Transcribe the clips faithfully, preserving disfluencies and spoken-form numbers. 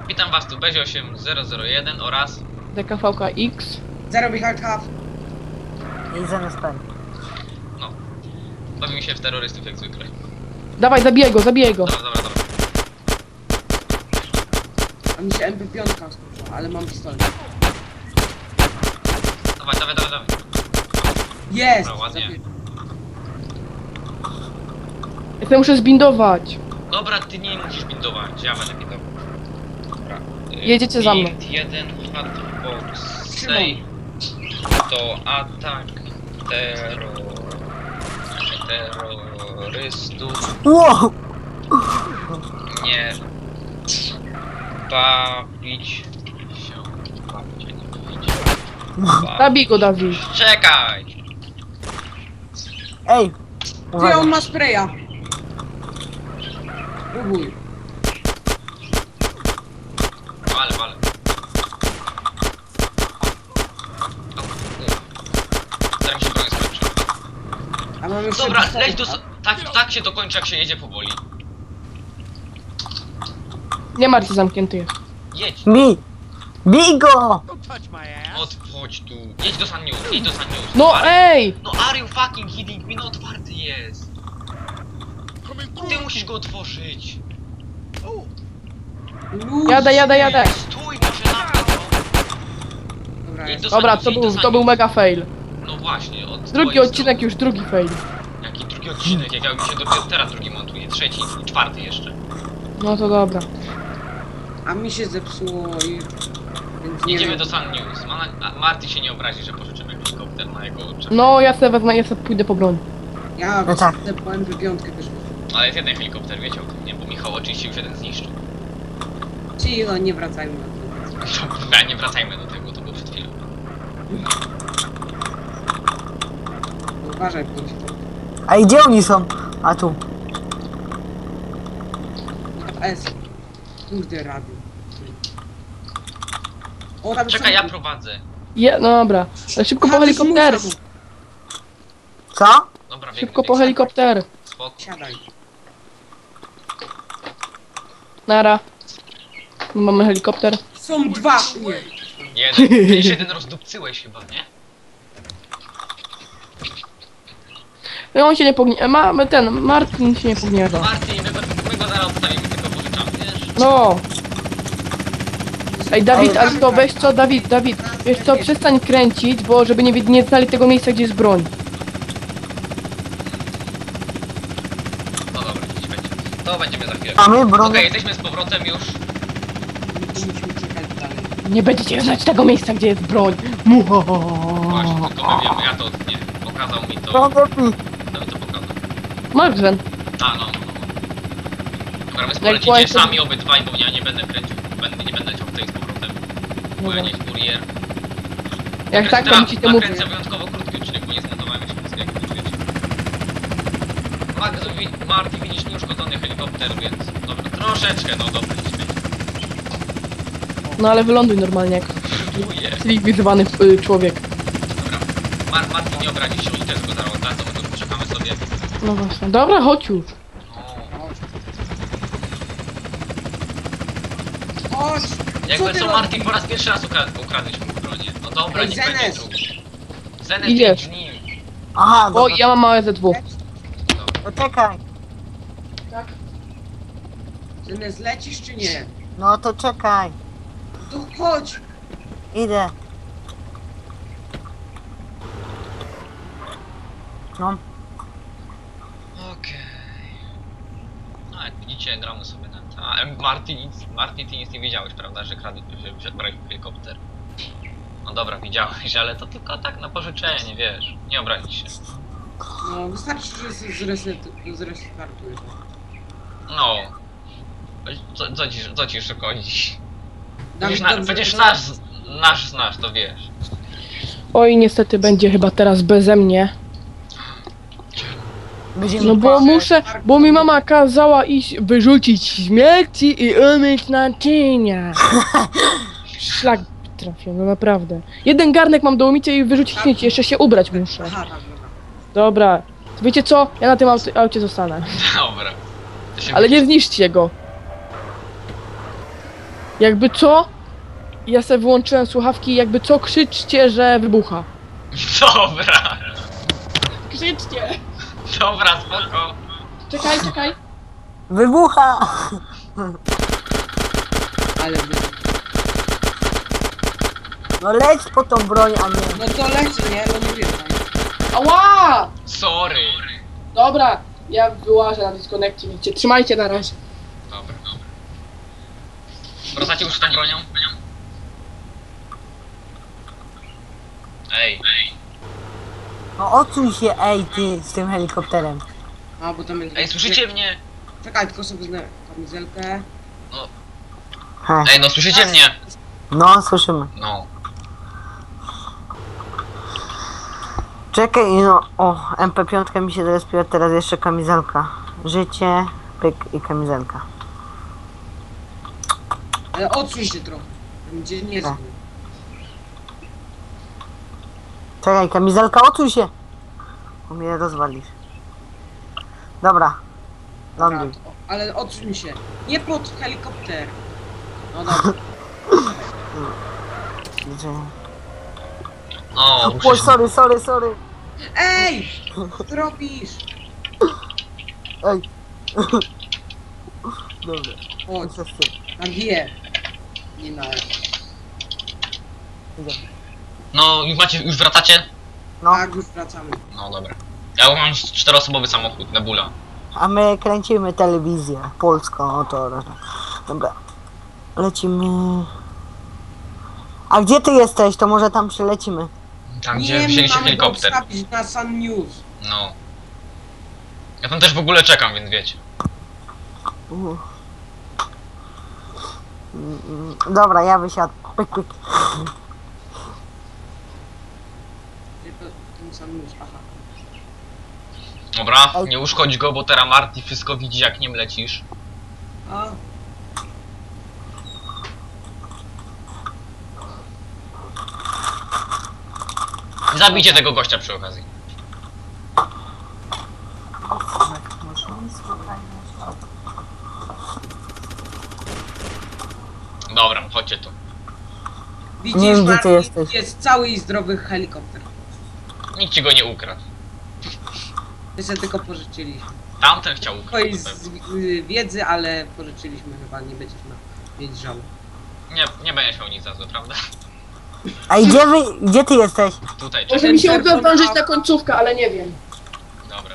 Witam was tu Bezio osiem zero zero jeden oraz D K V K X. Zero behind half. I zamiast pan. no. Bawimy się w terrorystów jak zwykle. Dawaj, zabijaj go, zabijaj go. Dobra, dobra, dobra. A mi się M P pięć skończyła, ale mam pistolet. Dawaj, dawaj, dawaj, dawaj. Jest! Dobra, ładnie. Ja sobie muszę zbindować. Dobra, ty nie musisz bindować, ja będę bindował. Dobra. Y, Jedziecie za mną. Build jeden hardbox Trzymam. save to atak terror... terrorystów Wow! nie bawić się. Bawić, a nie bawić. Bawić. Zabij go, Dawid. Czekaj! Ej! Ty, Uwaga. on ma spraya. Próbuj. Wale, wale. Zanim się broń skończy. A mam jeszcze Dobra, pistolet. leć do... so- Tak, tak się to kończy, jak się jedzie powoli. Nie martw się, zamknięty jest. Jedź! Bij! Bij go! Odchodź tu. Jedź do San News, jedź do San News. No Are- ej! No are you fucking kidding me? No otwarty jest. Ty musisz go otworzyć. Luz. Jadę, jadę, jadę. Stój może na mnie, Dobra, Jedź jest. do Dobra, San to News, był, jedź do to San był News. mega fail. No właśnie, od Drugi twojej odcinek, już drugi fail. strony. Jaki drugi odcinek? Jak ja mi się dopiero teraz drugi montuje, trzeci i czwarty jeszcze. No to dobra. A mi się zepsuło i... Więc nie Jedziemy wiem. do San News. Ma na... a Marty się nie obrazi, że pożyczymy helikopter na jego oczach. No ja sobie wezmę, ja sobie pójdę po broń. Ja No tak. wysadzę po M P pięć też. Ale jest jeden helikopter, wiecie o tym, nie? Bo Michał oczywiście już jeden zniszczył. Cicho, nie wracajmy na to. Dobra, nie wracajmy do tego, to było przed chwilą. Uważaj, bądź to. A i gdzie oni są? A tu. S. Kurde, rady. O, tam Czekaj, ja są- prowadzę. Je, no dobra. Ale szybko po A, helikopter. muszę. Co? Dobra, biegnę, Szybko po biegnę. helikopter. Spoko. Siadaj. Nara. Mamy helikopter. Są dwa! Nie. Jeden. Ty jeszcze jeden rozdupcyłeś chyba, nie? No on się nie pogniewa. Mamy ten, Martin się nie pogniewa. Martin, my go, my go zaraz odstawimy, tylko pożyczamy, wiesz? No. Ej, Dawid, ale to weź co, Dawid, Dawid, wiesz co, przestań kręcić, bo żeby nie, nie znali tego miejsca, gdzie jest broń. No dobra, dziś będzie. To będziemy za chwilę. Mamy Okej, broń. jesteśmy z powrotem już. Musimy czekać dalej. Nie będziecie znać tego miejsca, gdzie jest broń. Właśnie, tylko my wiemy, ja to nie. Pokazał mi to. Broń lepiej. Kto mi to pokazał? Margren. A, no, no, no. Dobra, wy Jak polecicie kłajcie- sami obydwaj, bo ja nie będę kręcił. Będę, nie będę chciał tutaj z powrotem. Bo ja nie kurier. Jak tak, to ci to mówię. Nakręcę wyjątkowo krótki odcinek, bo nie zmontowałem jeszcze wszystkiego, jak wiecie. Magzu, wi- Marty, widzisz nieuszkodzony helikopter, więc... Dobra, troszeczkę, no dobra, nie śmiej. No ale wyląduj normalnie, jak Dziękuję. cywilizowany y, człowiek. Dobra. Mar Marty nie obrazi się, oni też go zaraz oddadzą, my tu poczekamy sobie. No właśnie. Dobra, chodź już. O. Chodź! Jakby ty co, robisz? Marty, po raz pierwszy raz ukra ukradłeś mu bronię. No dobra, Ej, niech będzie Zenes. drugi. Zenes, Idziesz. idź nim. Aha, O, dobra. ja mam małe Z dwa. Poczekaj. Czy nie zlecisz, czy nie? No to czekaj. To chodź! Idę. No. Okej. No jak widzicie, gramy sobie na to. A em, Marty nic, Marty, ty nic nie wiedziałeś, prawda, że kradł, że, że brałeś helikopter. No dobra, widziałeś, ale to tylko tak na pożyczenie, wiesz. Nie obrazić się. No, wystarczy, że z- zreset, zrestartujesz. No. Co, co, ci, co ci szkodzi? Dawid, Przecież, na, dobrze, przecież to- nasz, nasz znasz, to wiesz. Oj, niestety będzie chyba teraz beze mnie. Będziemy No bo patrzeć. muszę, bo mi mama kazała iść wyrzucić śmierci i umyć naczynia. Szlak trafił, no naprawdę. Jeden garnek mam do umycia i wyrzucić śmieci, jeszcze się ubrać muszę. Aha, tak, dobra. Dobra. Wiecie co? Ja na tym aucie, aucie zostanę. Dobra. To się Ale nie zniszczcie go. Jakby co? Ja sobie wyłączyłem słuchawki, jakby co krzyczcie, że wybucha. Dobra. Krzyczcie! Dobra, spoko. Czekaj, czekaj. Wybucha! Ale wy... No leć po tą broń, a nie... No to leci, nie? No mówię wam. Ała! Sorry. Dobra, ja wyłażę na dyskonekcie, wiecie. Trzymajcie na razie. Dobra, dobra. Wracacie już z tą bronią? Ej. No odsuń się, ej ty, z tym helikopterem. A, bo tam jest... Ej, słyszycie mnie? Czekaj, tylko sobie znę kamizelkę. He. Ej, no słyszycie mnie? No, słyszymy. No. Czekaj, no, o, M P pięć mi się zrespiła, teraz jeszcze kamizelka. Życie, pyk i kamizelka. Ale odsuń się trochę. Będzie nie Tak. zły. Czekaj, kamizelka, odsuń się! Bo mnie rozwalisz. Dobra. Dobra, Ląduj. to- ale odsuń się. Nie pod helikopter. No dobra. Gdzie? O, O, ruszy się. sorry, sorry, sorry. Ej! Co robisz? Ej. Dobra, Chodź, co z tym? na G. Nie na F. Idziemy. No, już macie, już wracacie? No, Tak, już wracamy. No dobra. Ja mam czteroosobowy samochód, Nebula. a my kręcimy telewizję polską, oto. Dobra. Lecimy. A gdzie ty jesteś? To może tam przylecimy. Tam, Nie, gdzie my wzięliście mamy helikopter. go ustawić na Sun News. No. Ja tam też w ogóle czekam, więc wiecie. Uh. Mm, mm, Dobra, ja wysiadł. Pyk, pyk. Tylko ten Sun News, aha. Dobra, nie uszkodź go, bo teraz Marty wszystko widzi, jak nim lecisz. A, Zabijcie tego gościa przy okazji. Dobra, chodźcie tu. widzisz, Nie wiem, gdzie ty Martin, jesteś. jest cały i zdrowy helikopter. Nikt ci go nie ukradł. My sobie tylko pożyczyliśmy. Tamten chciał ukraść. Twojej na z, pewno. y, wiedzy, ale pożyczyliśmy chyba, nie będziesz miał mieć żalu. Nie, nie będziesz miał nic za złe, prawda? A gdzie wy, gdzie ty jesteś? Tutaj, Może czekaj. mi się uda zdążyć na końcówkę, ale nie wiem. Dobra.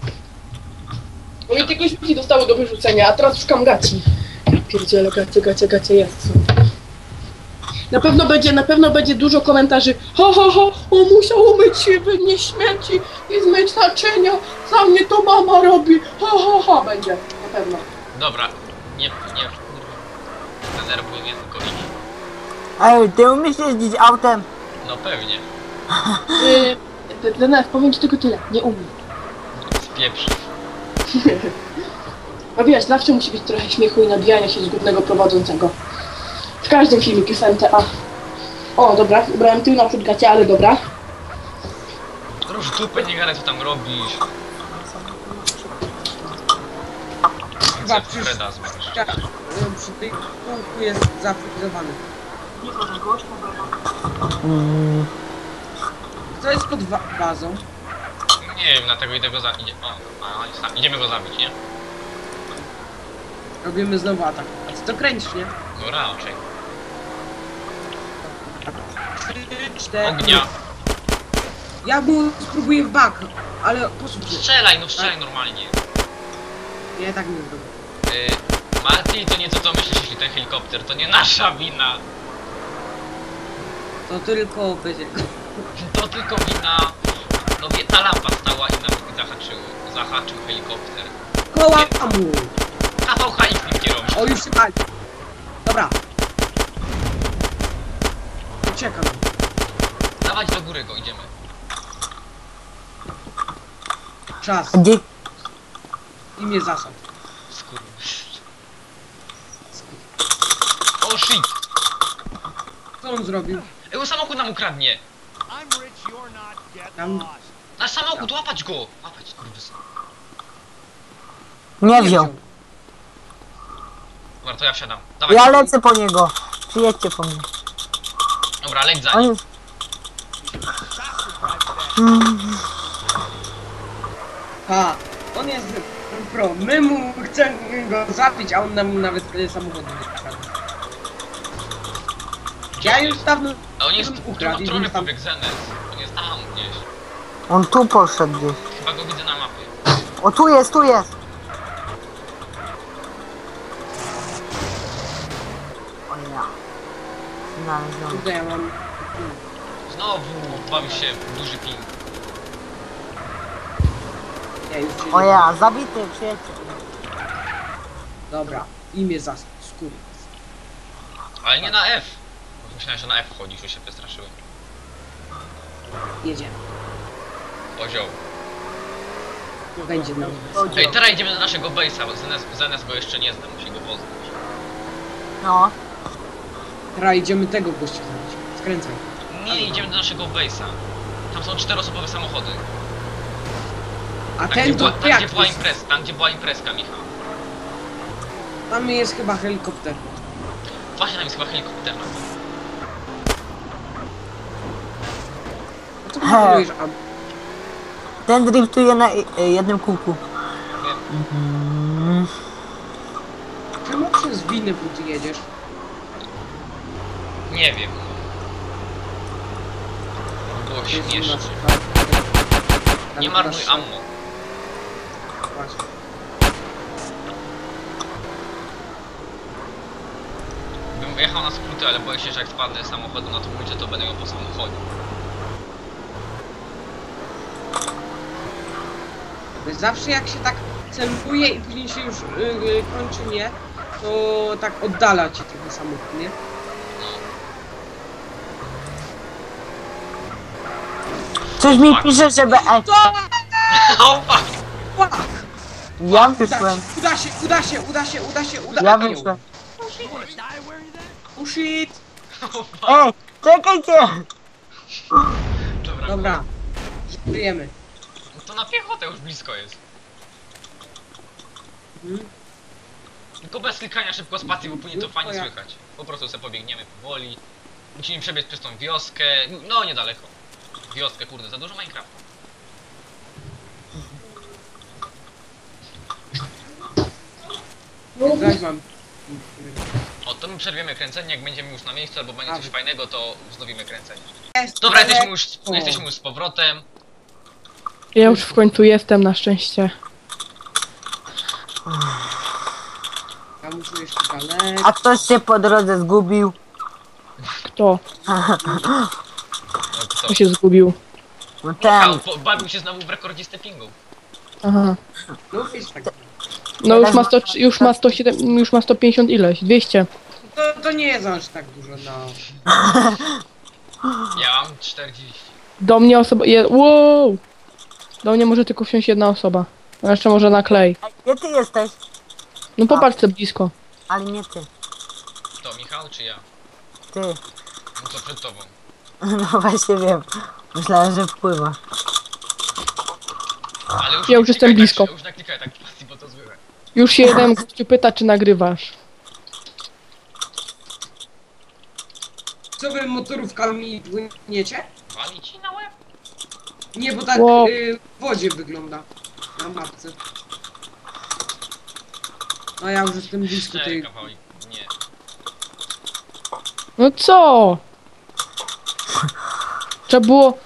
Bo mi tylko śmieci dostały do wyrzucenia, a teraz szukam gaci. Ja pierdzielę, gacie, gacie, gacie jest. Na pewno będzie, na pewno będzie dużo komentarzy. Ha, ha, ha, on musiał umyć się, nie śmieci i zmyć naczynia. Za mnie to mama robi. Ha, ha, ha, będzie. Na pewno. Dobra. Nie, nie, denerwuj mnie, tylko idź. Ej, ty umiesz jeździć autem? No pewnie. Yy, Denerw, powiem ci tylko tyle. Nie umiem. Spieprz. A wiesz, zawsze musi być trochę śmiechu i nabijania się z głównego prowadzącego. W każdym filmiku jest M T A. O, dobra, ubrałem tył na przód gacie, ale dobra. Róż dupę, nie gadaj, co tam robisz. Chyba Chcę przy, Freda zmarsz. przy, przy tej kółku jest zafryzowany. Mm, Co jest pod wa bazą? Nie wiem, dlatego idę go za... Idzie... O, a, jest tam. Idziemy go zabić, nie? Robimy znowu atak. A ty to kręcisz, nie? No raczej. Trzy, cztery. Ognia. Ja mu spróbuję w bak, ale posłuchaj. Strzelaj, no strzelaj normalnie. Ja tak nie zrobię. Yy, Marty, to nie to co myślisz, jeśli ten helikopter, to nie nasza wina. To tylko będzie... To tylko wina... No wie, ta lampa stała i nam zahaczył, zahaczył helikopter. Koła mu! A V H X nim kierownik. O, już się pali. Dobra. Uciekam. Dawać do góry go, idziemy. Czas. a gdzie? I mnie zasad. Skurwy. O shit! Co on zrobił? Ej, on samochód nam ukradnie! I'm rich, you're not. Get Tam- lost. Nasz samochód, łapać go! Łapać, skurwysy. Nie wziął. Dobra, to ja wsiadam. Dawaj. Ja lecę po niego. Przyjedźcie po mnie. Dobra, leć za On nim. jest... Mm, Ha, on jest pro. My mu chcemy go zabić, a on nam nawet y, samochód nie kradł. Ja już dawno A on jest... ukradł i Który już tam... pobiegł Zenes? On jest tam gdzieś. on tu poszedł gdzieś. Chyba go widzę na mapie. O, tu jest, tu jest. O ja. Znalezłem. Tutaj ja mam... Znowu bawi się duży ping. Ja już się O nie- ja, zabity, przyjedźcie. Dobra, imię za skóry. Ale nie na F. Myślałem, że na F wchodzisz, już się przestraszyłem. Jedziemy. Ozioł. Będzie nam. Ej, teraz idziemy do naszego base'a, bo Zenes, Zenes go jeszcze nie zna, musi go poznać. No. Teraz idziemy tego gościa zabić. Skręcaj. Nie, idziemy do naszego base'a. Tam są czteroosobowe samochody. A Tam, gdzie ten była, to tam, jak gdzie była jest? imprez, tam gdzie była imprezka, Michał. Tam jest chyba helikopter. Właśnie tam jest chyba helikopter na to. A co mówisz? A Ten driftuje na i- jednym kółku. Mm. czemu przez winę buty jedziesz? Nie wiem. Było śmiesznie. Nie marnuj ammo. Właśnie. Bym jechał na skróty, ale boję się, że jak spadnę z samochodu na trójce, to będę ją po samochodzie. Zawsze jak się tak celuje i później się już yy, yy, kończy nie, to tak oddala ci trochę samochód, nie? Coś mi pisze, żeby... E, O, fuck! Fuck! ja Uda wyszłem. się, uda się, uda się, uda się, uda się, uda Ja się. wyszłem. Oh shit! O, fuck. Ej, czekajcie! Dobra, Dobra, żyjemy. no to na piechotę już blisko jest. Mhm. Tylko bez klikania szybko spacji, bo później to fajnie No, ja- słychać. Po prostu sobie pobiegniemy powoli. Musimy przebiec przez tą wioskę. No, niedaleko. Wioskę, kurde, za dużo Minecrafta. Zaś mam. O, to my przerwiemy kręcenie, jak będziemy już na miejscu, albo będzie coś A. fajnego, to wznowimy kręcenie. Jest, Dobra, ale- jesteśmy już, O. jesteśmy już z powrotem. Ja już w końcu jestem, na szczęście. Ja muszę jeszcze dalej. A ktoś się po drodze zgubił. Kto? No, co? Kto się zgubił? No Michał, ten. po- bawił się znowu w rekordzie stepingu. Aha. No wiesz tak. No już ma sto, już ma sto siedem, już ma sto pięćdziesiąt ileś, dwieście. To, to nie jest aż tak dużo, no. Ja mam czterdzieści. Do mnie osoba, je, wow! Do mnie może tylko wsiąść jedna osoba. A jeszcze może na klej. Gdzie ty jesteś? No popatrz sobie blisko. Ale nie ty. To Michał czy ja? Ty. No to przed tobą. No właśnie wiem. Myślałem, że wpływa. Ale już Ja nie już jestem klikaj blisko. Tak, już naklikaj tak pasji, bo to złe. Już się jeden gościu pyta, czy nagrywasz. Co wy motorówkami płyniecie? Wali ci na łeb? Nie, bo tak Wow. y, w wodzie wygląda. Na mapce. No ja już jestem blisko Cztery tej... kawałki. Nie. No co? Trzeba było...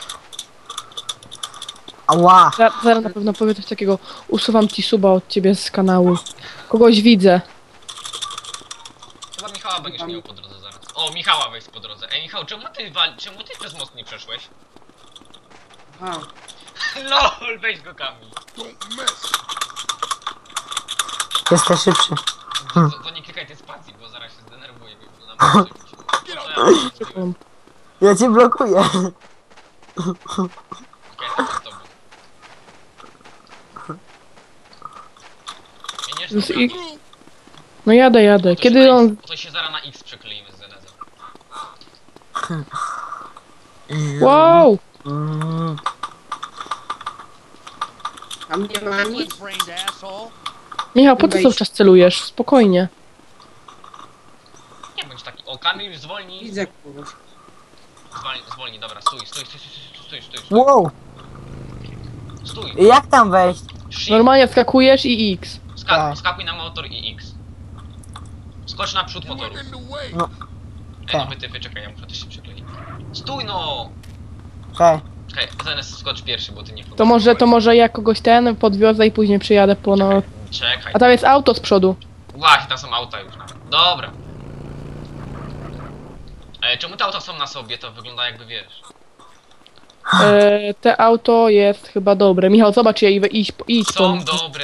Ała. za- Zaraz na pewno powie coś takiego. Usuwam ci suba od ciebie z kanału. Kogoś widzę. Chyba Michała będziesz miał po drodze zaraz. O, Michała weź po drodze. Ej Michał, czemu ty wali... czemu ty przez most nie przeszłeś? Aha. LOL, weź go Kamil. Jesteś szybszy. To, to nie klikaj tej spacji, bo zaraz się zdenerwuję. Bo nam muszę robić. No to ja zrobiłem. Czekam. Ja cię blokuję. Okej, to z tobą. Miniesz Już dobra? i- No jadę, jadę. To się Kiedy na on... X- To się zaraz na X przekleimy z Zenezem. Wow! Mm. Tam nie ma nic. Split-brained asshole. Michał, po co cały czas celujesz? Spokojnie. bądź taki. O, Kamil, zwolnij. Widzę kogoś. Zwolnij, zwolnij, dobra, stój, stój, stój, stój, stój, stój, stój, Wow, stój. jak tam wejść? Shift, Normalnie skakujesz i X. skak, Tak. skakuj na motor i X. Skocz na przód motoru. No, Ej, no tak. wytyfy, czekaj, ja muszę też się przykleić. Stój no! okej. Czekaj, zamiast skocz pierwszy, bo ty nie To może, to może ja kogoś ten podwiozę i później przyjadę po no... Czekaj. A tam jest auto z przodu. Właśnie, tam są auta już nawet. Dobra. Ej, czemu te auta są na sobie? To wygląda jakby wiesz. E, te auto jest chyba dobre. Michał, zobacz je i idź, idź Są po... dobre.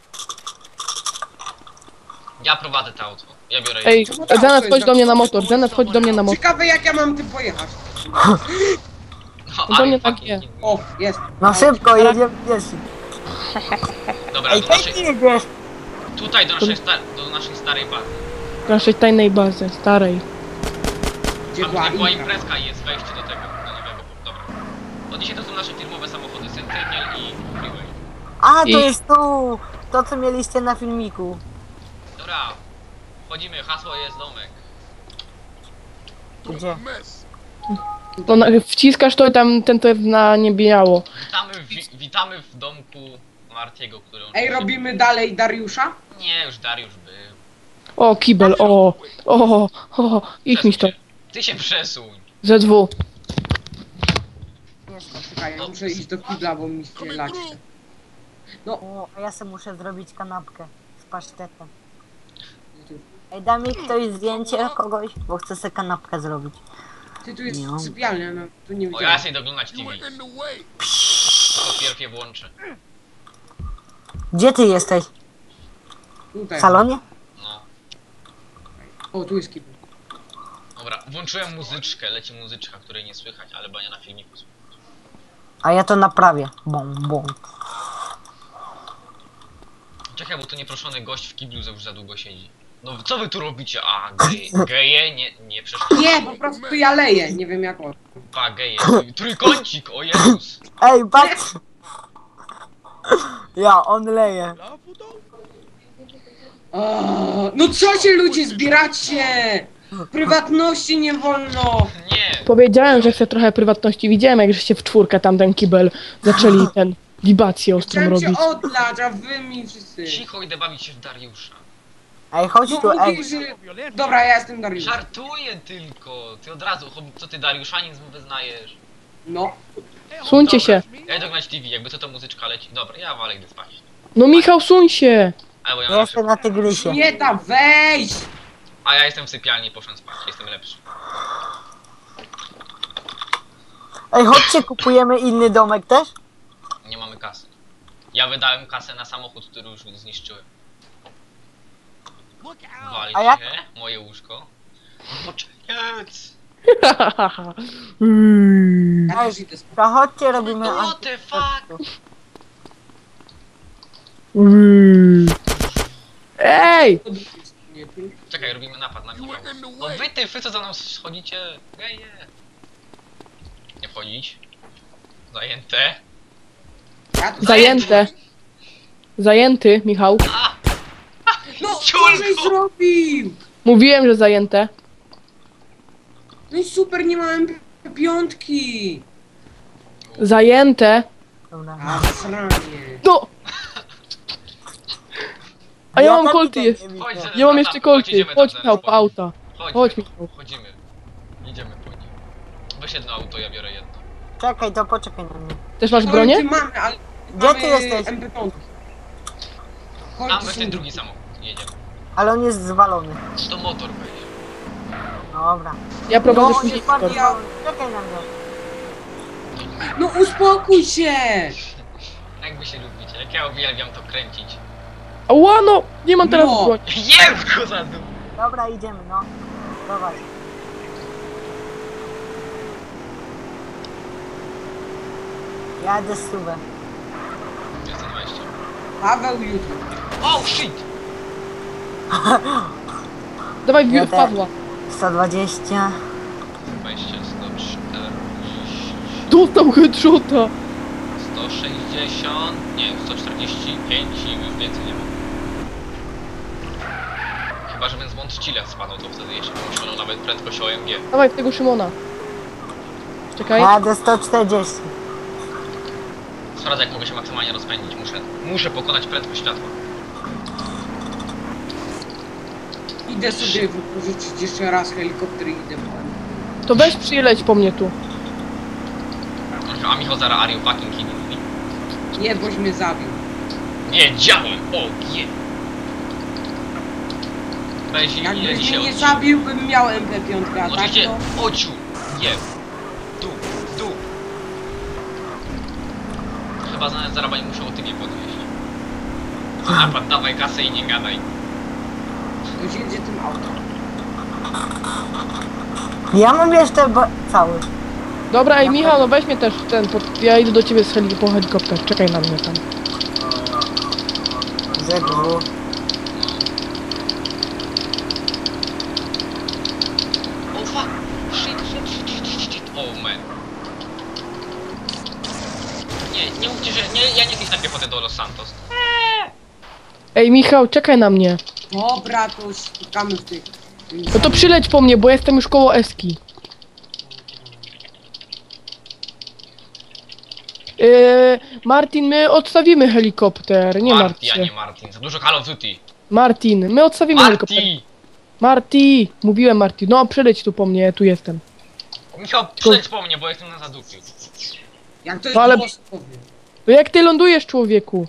Ja prowadzę to auto. Ja biorę Ej, je. Zenet, chodź do mnie na motor. Zenet, chodź do mnie na motor. Ciekawe jak ja mam tym pojechać. No, to nie ale tak fucking nie. kidding. O, jest. No szybko, jedziemy pierwszy. Dobra, Ej, do gdzie naszej, ty jedziesz? tutaj do naszej, sta, do naszej starej bazy. Naszej tajnej bazy, starej. Gdzie Tam była tutaj była Inka. imprezka i jest wejście do tego, do nowego. Dobra. Od dzisiaj to są nasze firmowe samochody Sentinel i Freeway. A, to I- jest tu! To, co mieliście na filmiku. Dobra. Wchodzimy, hasło jest domek. Gdzie? To na, wciskasz to i tam ten to jest na niebiało. Witamy w, wi- witamy w domku Martiego, który on... Ej, robimy dalej Dariusza? Nie, już Dariusz był. O, kibel, o, o, o, idź mi Przesuń to. się. Ty się przesuń. Z dwu. Czekaj, ja muszę iść do kibla, bo mi się lać. No, O, a ja sobie muszę zrobić kanapkę z pasztetem. Ej, da mi ktoś zdjęcie kogoś, bo chcę sobie kanapkę zrobić. ty tu jest Nie. sypialnia, no tu nie O, ja widziałem. sobie doglądać T V. To pierwsze włączę. Gdzie ty jesteś? Tutaj. W salonie? No. O, tu jest kibel. Dobra, włączyłem muzyczkę, leci muzyczka, której nie słychać, ale bania na filmiku słychać. A ja to naprawię. Bum, bum. Czekaj, bo tu nieproszony gość w kiblu już za długo siedzi. No co wy tu robicie? A, geje, geje? Nie, nie przeszkadza. Nie, po prostu ja leję, nie wiem jak on. Pa, geje. Trójkącik, o Jezus. Ej, patrz! Ja, on leje. O, no co się ludzie zbieracie? Prywatności nie wolno. Nie. Powiedziałem, że chcę trochę prywatności. Widziałem, jak żeście w czwórkę tam ten kibel zaczęli ten wibację ostrą Chciałem cię robić. odlać, a wy mi wszyscy. Cicho, idę bawić się w Dariusza. Ej, chodź No tu, ej. mówisz, że... Dobra, ja jestem Dariusz. Żartuję tylko. Ty od razu, chob- co ty Dariuszanizm wyznajesz? No. Suńcie się. Ja idę oglądać T V, jakby co to muzyczka leci. Dobra, ja walę, idę spać. No Michał, suń się. A, bo ja Ja mam jestem na tygrysie. Nie da wejść! A ja jestem w sypialni, poszłem spać, jestem lepszy. Ej, chodźcie, kupujemy inny domek też? Nie mamy kasy. Ja wydałem kasę na samochód, który już zniszczyłem. Walić A jak- się, moje łóżko. Poczekać! Mm. Ja też idę spać. To chodźcie, robimy... What the fuck? Mm. Ej! Nie, tu- Czekaj, robimy napad na Michała. No wy ty, wy co za mną schodzicie? Geje! Nie wchodzić. Zajęte. Ja tu... Zajęte. Zajęty, Michał. A! No, co Ciulko! żeś zrobił? Mówiłem, że zajęte. No i super, nie mam piątki. Zajęte. Dobra. A, sranie. No! A ja mam tam kolty idę, jest. nie Chodź, widzę. zaraz Ja mam tam- jeszcze chodź, kolty. idziemy tam Chodź zaraz Michał, po po- auta. Chodź, Chodź, Michał. Chodzimy. Idziemy po nich. Weź jedno auto, ja biorę jedno. Czekaj, to poczekaj na mnie. Też masz Kolty bronię? mamy, ale... Gdzie mamy ty jesteś? M P pięć. Kolty Tam weź są- ten drugi samochód, jedziemy. Ale on jest zwalony. To motor weź. Dobra. Ja prowadzę No, później jest bardzo skoro. zwalony. Czekaj na mnie. No uspokój się! Jak wy się lubicie, jak ja uwielbiam to kręcić. Ała, no! Nie mam teraz No. broni. Jeb go za dół! Dobra, idziemy, no. Dawaj. Jadę z subę. dwieście dwadzieścia. Paweł YouTube. Oh shit! Dawaj w Ja w też. Pawła. sto dwadzieścia. dwadzieścia, sto czterdzieści, Dostał headshota. sto sześćdziesiąt, nie, sto czterdzieści pięć i już więcej nie mam. Chyba, żebym z Montchile spadł, to wtedy jeszcze bym osiągnął nawet prędkość O M G. Dawaj w tego Szymona. Czekaj. Jadę sto czterdzieści. Sprawdzę, jak mogę się maksymalnie rozpędzić. Muszę, muszę pokonać prędkość światła. Idę sobie wypożyczyć jeszcze raz helikopter i idę po To weź przyleć po mnie tu. A Michał zaraz, are you fucking kidding me? Nie, boś mnie zabił. Wiedziałem! O, je! Weź i ile Jakbyś dzisiaj mnie nie odcinek. zabił, bym miał M P pięć, a tak Oczywiście, to... ociu! Je! Tu, tu! Chyba zaraz zaraz nie muszę o tybie podwieźć. To napad, dawaj kasę i nie gadaj. Ktoś jedzie tym autem. Ja mam jeszcze ba- cały. Dobra, ej Michał, no weź mnie też ten, pod... ja idę do ciebie z heli po helikopter, czekaj na mnie tam. Z dwóch. Oh fuck! Shit, shit, shit, shit, shit. Oh man. Nie, nie mówcie, że... Nie, ja nie chcę na piechotę do Los Santos. Ej Michał, czekaj na mnie. Dobra, to spotkamy w tych... No to przyleć po mnie, bo jestem już koło Eski. Yy, Martin, my odstawimy helikopter, nie martw Marty, a się. nie Martin. Za dużo Call of Duty. Martin, my odstawimy helikopter. Marty! Marty! Mówiłem Marty, no przyleć tu po mnie, ja tu jestem. Michał, przyjdź po mnie, bo jestem na zadupiu. Jak to jest No ale- głosowy? To jak ty lądujesz, człowieku?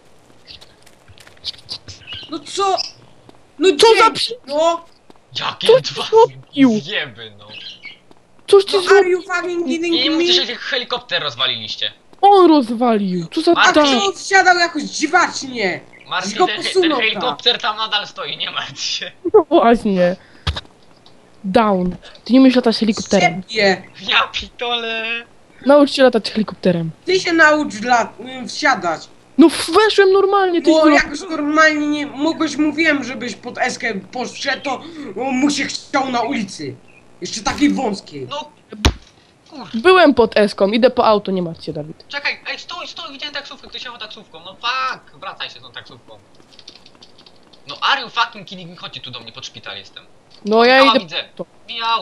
No co? No Co za dzień, przy... No! Jakie Co dwa zrobił? zjeby, no. Cóż ty No zrobił? are you fucking I kidding nie mówcie, że me? No helikopter rozwaliliście. On rozwalił, co za A Martin! tak? kto wsiadał jakoś dziwacznie? Martin, go ten, ten posunął, tak. helikopter tam nadal stoi, nie martw się. No właśnie. Down. Ty nie umiesz latać helikopterem. Ciebie! Ja pitole. Naucz się latać helikopterem. Ty się naucz lat, y, wsiadać. No weszłem normalnie, ty Bo zro- jak już normalnie nie mogłeś, mówiłem, żebyś pod eskę poszedł, to o, mu się chciał na ulicy. Jeszcze takiej wąskiej. No. Kur... Byłem pod Eską, idę po auto, nie martw się, Dawid. Czekaj, ej, stój, stój, widziałem taksówkę, ktoś jechał taksówką, no fuck, wracaj się z tą taksówką. No are you fucking kidding me, chodźcie tu do mnie, pod szpital jestem. No ja Michała idę widzę, po to. Michał.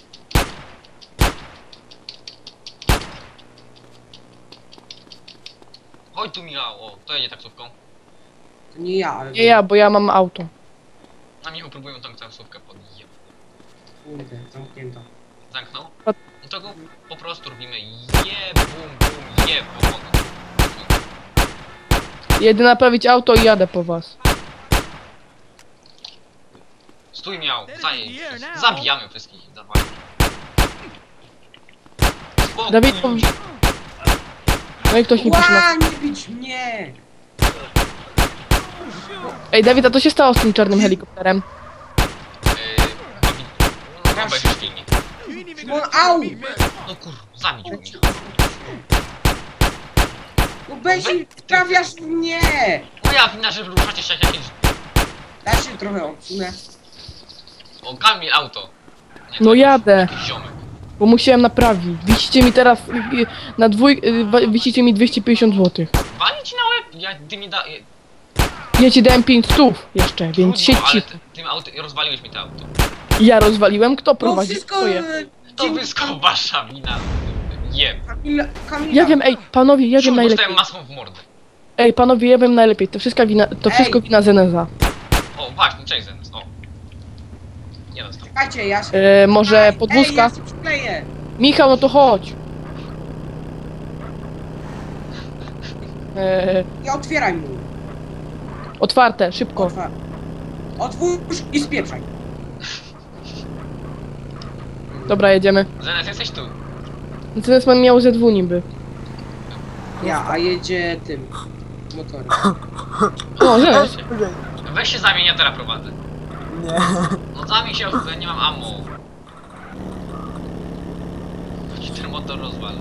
Chodź tu Michał, o, to jedzie taksówką. To nie ja, ale... Nie ja, bo ja mam auto. Na Michał próbują tą taksówkę podjeb. Kurde, zamknięto. Zamknął? A- No to go po prostu robimy je, bum, bum, je, bum. Jedę naprawić auto i jadę po was. Stój miał, zaj, zabijamy wszystkich, dawaj. Spokój. Dawid, pom- No i ktoś mi pisze na... Ła, nie bić mnie! Ej, Dawid, a co się stało z tym czarnym helikopterem? Yy, no, obejrzysz filmik. Szymon, au! No kur, zabić mnie. No Bezi, trafiasz mnie! Moja wina, że ruszacie się jak jakieś... Da się trochę odsunę. O, Kamil, auto. Nie, No to jadę. jakiś ziomek. Bo musiałem naprawić. Wisicie mi teraz... y, y, Na dwój... y, wa- Wisicie mi dwieście pięćdziesiąt złotych. Wali ci na łeb? Ja, ty mi da... Ja ci dałem pięć stów jeszcze, więc siedź Trudno, ale cicho. ty, tym auto, rozwaliłeś mi to auto. Ja rozwaliłem, kto No prowadzi wszystko... swoje? e, To dzięki wszystko wasza wina. Jeb. Kamila, Kamila. Ja wiem, ej, panowie, ja wiem Szum, najlepiej. dostałem maską w mordę. Ej, panowie, ja wiem najlepiej. To wszystko wina, to Ej. wszystko wina Zeneza. O, właśnie, cześć Zenes, o. Nie dostał. Czekajcie, ja się... E, może Ej, podwózka? Ej, ja się przykleję. Michał, no to chodź. E, Nie otwieraj mu. otwarte, szybko. Otwar. Otwórz i spieprzaj. Dobra, jedziemy. Zenes, jesteś tu. Zenez mam miał ze dwu niby. Ja, a jedzie tym. Motorem. O, Zenez. Weź się zamień, ja teraz prowadzę. Nie. No zamień się, ja nie mam ammo. Chodź, ten motor rozwalę.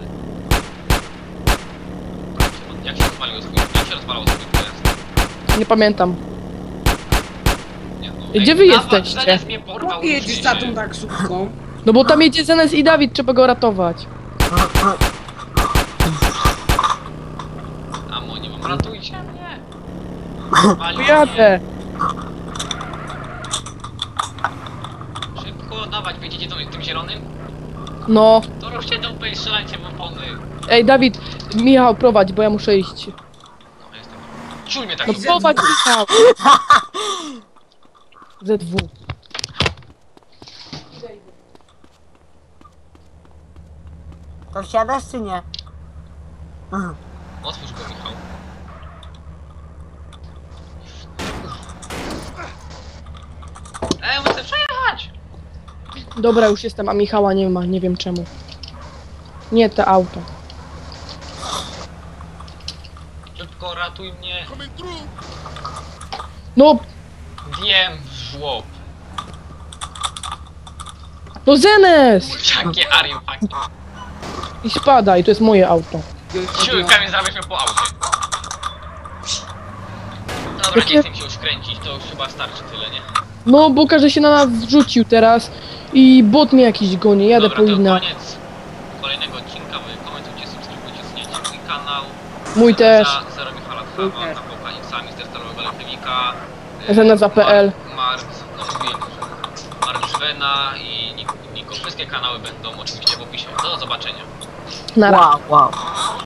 Jak się rozwaliło swój... Jak się rozwalało swój pojazd? Nie pamiętam. Nie, no, Gdzie ej, wy nawa- jesteście? Zenes mnie porwał, Chłopie, jedziesz za się. tą taksówką. No bo tam jedzie Zenez i Dawid, trzeba go ratować. Ammo nie mam, ratujcie mnie. Walił Jadę. ładować, wiecie tym, tym zielonym? No. To ruszcie dupę i strzelajcie w opony. Ej, Dawid, Michał, prowadź, bo ja muszę iść. No, jestem. Czuj mnie tak No się prowadź, Michał. Z dwa. To wsiadasz czy nie? Mhm. Otwórz go, Michał. Ej, chcę przejechać! Dobra, już jestem, a Michała nie ma, nie wiem czemu. Nie te auto. Szybko ratuj mnie. No, Wiem w żłob. no Zenes! Jakie ariupaki. I spadaj, to jest moje auto. Siły, kamień zarabialiśmy po aucie. Dobra, Jakie- nie chcę mi się już kręcić, to już chyba starczy tyle, nie? No, bo każdy się na nas zrzucił teraz i bot mnie jakiś goni, jadę Dobra, po to inne. koniec kolejnego odcinka. Wy komentujcie, subskrybujcie, zmieniajcie mój kanał. Mój też. Za Zero Michala Chama, na Pokaniksa, Mister Starowego Elektrywika. Zeneza.pl. Mark, no mówiłem, że Mark Zwena i Niko. Wszystkie kanały będą oczywiście w opisie. Do zobaczenia. Na razie. Wow, wow.